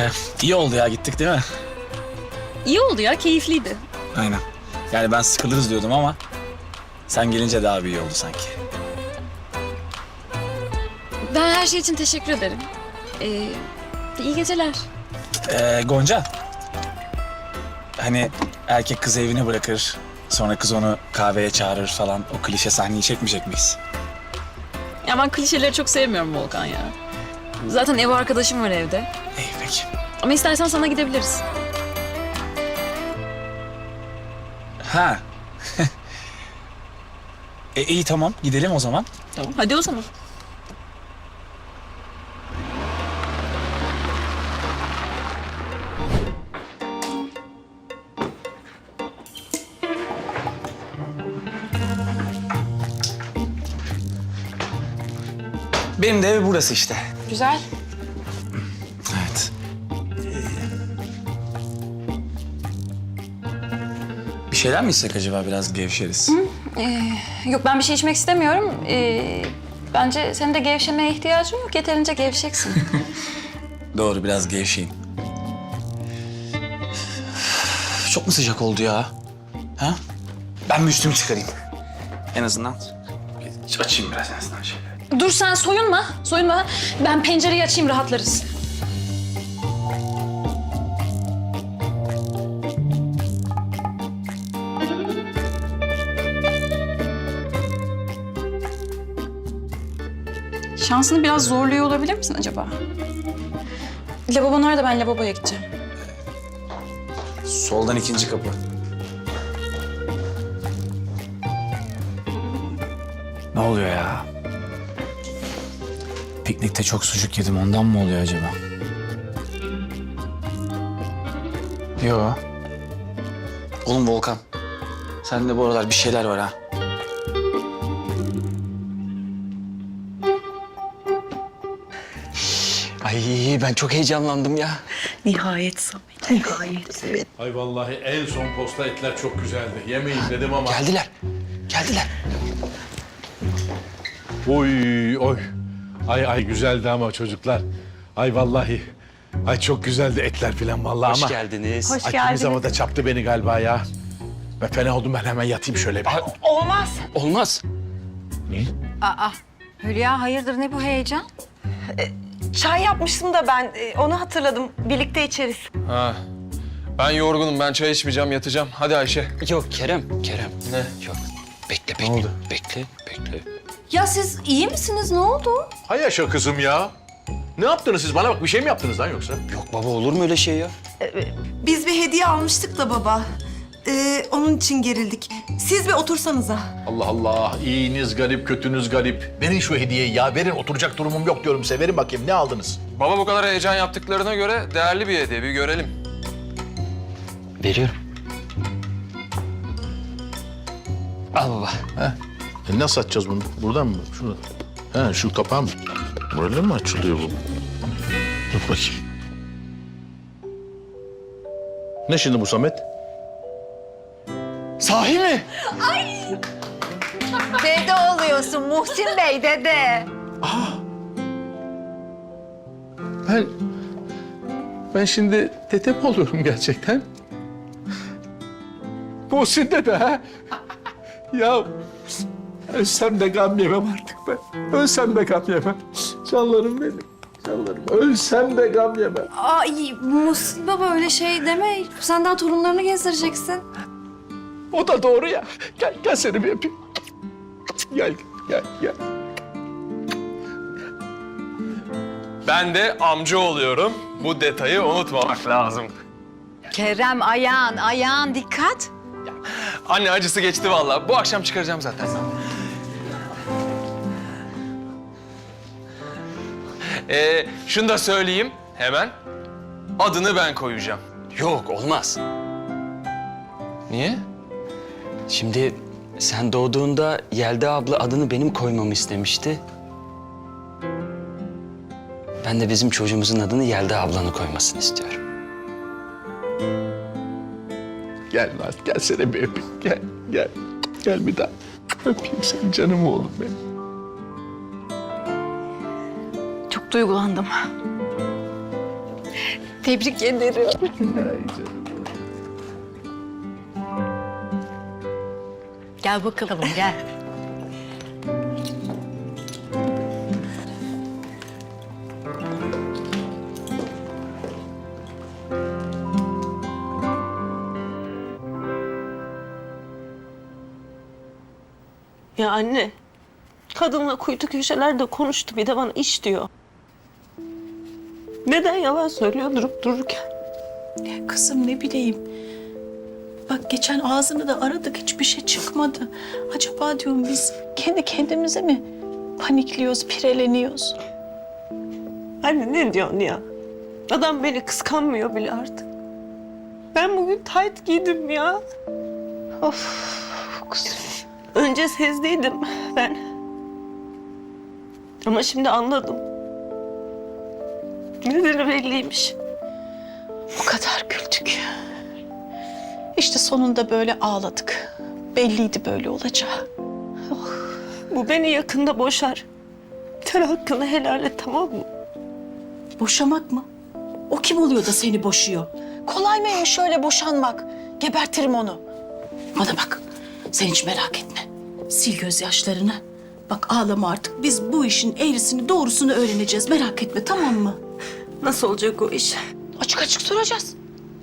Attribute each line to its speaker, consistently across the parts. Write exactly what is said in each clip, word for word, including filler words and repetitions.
Speaker 1: Ee, iyi oldu ya, gittik değil mi?
Speaker 2: İyi oldu ya, keyifliydi.
Speaker 1: Aynen. Yani ben sıkılırız diyordum ama sen gelince daha bir iyi oldu sanki.
Speaker 2: Ben her şey için teşekkür ederim. Ee, iyi geceler.
Speaker 1: Ee, Gonca. Hani erkek kızı evine bırakır, sonra kız onu kahveye çağırır falan. O klişe sahneyi çekmeyecek miyiz?
Speaker 2: Ya ben klişeleri çok sevmiyorum Volkan ya. Zaten ev arkadaşım var evde.
Speaker 1: İyi peki.
Speaker 2: Ama istersen sana gidebiliriz.
Speaker 1: Ha. e, iyi tamam, gidelim o zaman.
Speaker 2: Tamam. Hadi o zaman.
Speaker 1: Benim de ev burası işte.
Speaker 2: Güzel.
Speaker 1: Evet. Bir şeyler mi içsek acaba, biraz gevşeriz?
Speaker 2: Yok, ben bir şey içmek istemiyorum. Ee, bence senin de gevşemeye ihtiyacın yok. Yeterince gevşeksin.
Speaker 1: Doğru, biraz gevşeyim. Çok mu sıcak oldu ya? Ha? Ben bir üstümü çıkarayım. En azından. Açayım biraz en azından şöyle.
Speaker 2: Dur sen soyunma. Soyunma. Ben pencereyi açayım, rahatlarız. Şansını biraz zorluyor olabilir misin acaba? Lavabo nerede? Ben lavaboya gideceğim.
Speaker 1: Soldan ikinci kapı. Ne oluyor ya? Piknikte çok sucuk yedim, ondan mı oluyor acaba? Yo. Oğlum Volkan, sende bu aralar bir şeyler var ha.
Speaker 3: Ay ben çok heyecanlandım ya.
Speaker 4: Nihayet Samet, nihayet. Evet.
Speaker 5: Ay vallahi en son posta etler çok güzeldi. Yemeyin dedim ama...
Speaker 3: Geldiler. Geldiler.
Speaker 5: Oy oy. Ay ay güzeldi ama çocuklar. Ay vallahi. Ay çok güzeldi etler falan vallahi
Speaker 3: Hoş
Speaker 5: ama...
Speaker 3: geldiniz.
Speaker 4: Hoş
Speaker 5: Ay
Speaker 4: geldiniz.
Speaker 5: kimi havada çaptı beni galiba ya. Ben fena oldum, ben hemen yatayım şöyle bir.
Speaker 4: Olmaz.
Speaker 3: Olmaz.
Speaker 5: Niye?
Speaker 6: Aa, Hülya hayırdır ne bu heyecan?
Speaker 4: Çay yapmıştım da ben e, onu hatırladım. Birlikte içeriz.
Speaker 7: Ha. Ben yorgunum. Ben çay içmeyeceğim. Yatacağım. Hadi Ayşe.
Speaker 3: Yok Kerem, Kerem.
Speaker 7: Ne?
Speaker 3: Yok. Bekle, bekle.
Speaker 5: oldu?
Speaker 3: Bekle, bekle.
Speaker 6: Ya siz iyi misiniz? Ne oldu?
Speaker 5: Hay yaşa kızım ya. Ne yaptınız siz? Bana bak, bir şey mi yaptınız lan yoksa?
Speaker 3: Yok baba, olur mu öyle şey ya?
Speaker 8: Biz bir hediye almıştık da baba. Ee, onun için gerildik. Siz bir otursanıza.
Speaker 5: Allah Allah. İyiniz garip, kötünüz garip. Verin şu hediyeyi ya. Verin, oturacak durumum yok diyorum size. Verin bakayım, ne aldınız?
Speaker 7: Baba bu kadar heyecan yaptıklarına göre değerli bir hediye. Bir görelim.
Speaker 3: Veriyorum. Al baba.
Speaker 5: E nasıl açacağız bunu? Buradan mı? Şuradan. Ha, şu kapağı mı? Böyle mi açılıyor bu? Dur bakayım. Ne şimdi bu Samet?
Speaker 3: Sahi mi?
Speaker 6: Dede oluyorsun Muhsin Bey dede.
Speaker 5: Ben... Ben şimdi tete mi oluyorum gerçekten? Muhsin dede ha? Ya ölsem de gam yemem artık ben. Ölsem de gam yemem. Canlarım benim. Canlarım. Ölsem de gam yemem.
Speaker 6: Ay Muhsin baba öyle şey deme. Sen daha torunlarını gezdireceksin.
Speaker 5: O da doğru ya. Gel, gel seni bir öpeyim. Gel, gel, gel.
Speaker 7: Ben de amca oluyorum. Bu detayı unutmamak lazım.
Speaker 6: Kerem ayağın ayağın dikkat.
Speaker 7: Anne acısı geçti vallahi. Bu akşam çıkaracağım zaten. Ee, şunu da söyleyeyim hemen. Adını ben koyacağım.
Speaker 3: Yok, olmaz.
Speaker 7: Niye?
Speaker 3: Şimdi sen doğduğunda Yelda abla adını benim koymamı istemişti. Ben de bizim çocuğumuzun adını Yelda ablanın koymasını istiyorum.
Speaker 5: Gel Naz, gel seni bir öpeyim. Gel, gel. Gel bir daha. Öpeyim seni canım oğlum benim.
Speaker 2: Çok duygulandım.
Speaker 6: Tebrik ederim.
Speaker 9: Gel bakalım gel.
Speaker 4: Ya anne, kadınla kuytu köşelerde konuştu, bir de bana iş diyor. Neden yalan söylüyor durup dururken?
Speaker 9: Kızım ne bileyim. Bak geçen ağzını da aradık hiçbir şey çıkmadı. Acaba diyorum biz kendi kendimize mi panikliyoruz, pireleniyoruz?
Speaker 4: Anne ne diyorsun ya? Adam beni kıskanmıyor bile artık. Ben bugün tayt giydim ya. Of kızım. Önce sezdeydim ben. Ama şimdi anladım. Nedeni belliymiş.
Speaker 9: O kadar güldük. İşte sonunda böyle ağladık. Belliydi böyle olacağı.
Speaker 4: Bu beni yakında boşar. Sen hakkını helal et, tamam mı?
Speaker 9: Boşamak mı? O kim oluyor da seni boşuyor? Kolay mıymış şöyle boşanmak? Gebertirim onu. Bana bak, sen hiç merak etme. Sil gözyaşlarını. Bak ağlama artık. Biz bu işin eğrisini doğrusunu öğreneceğiz. Merak etme, tamam mı?
Speaker 4: Nasıl olacak o iş?
Speaker 9: Açık açık soracağız.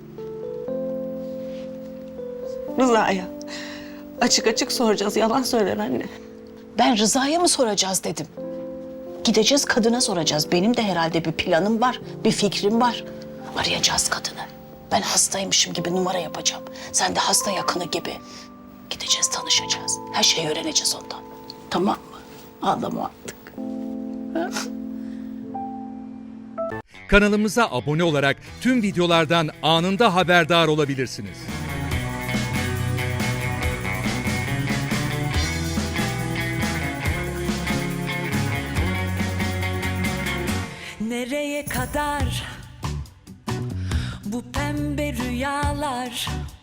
Speaker 4: Rıza'ya. Açık açık soracağız. Yalan söyler anne.
Speaker 9: Ben Rıza'ya mı soracağız dedim. Gideceğiz kadına soracağız. Benim de herhalde bir planım var, bir fikrim var. Arayacağız kadını. Ben hastaymışım gibi numara yapacağım. Sen de hasta yakını gibi. Gideceğiz, tanışacağız. Her şeyi öğreneceğiz ondan. Tamam mı? Ağlama artık.
Speaker 10: Kanalımıza abone olarak tüm videolardan anında haberdar olabilirsiniz.
Speaker 11: Nereye kadar bu pembe rüyalar?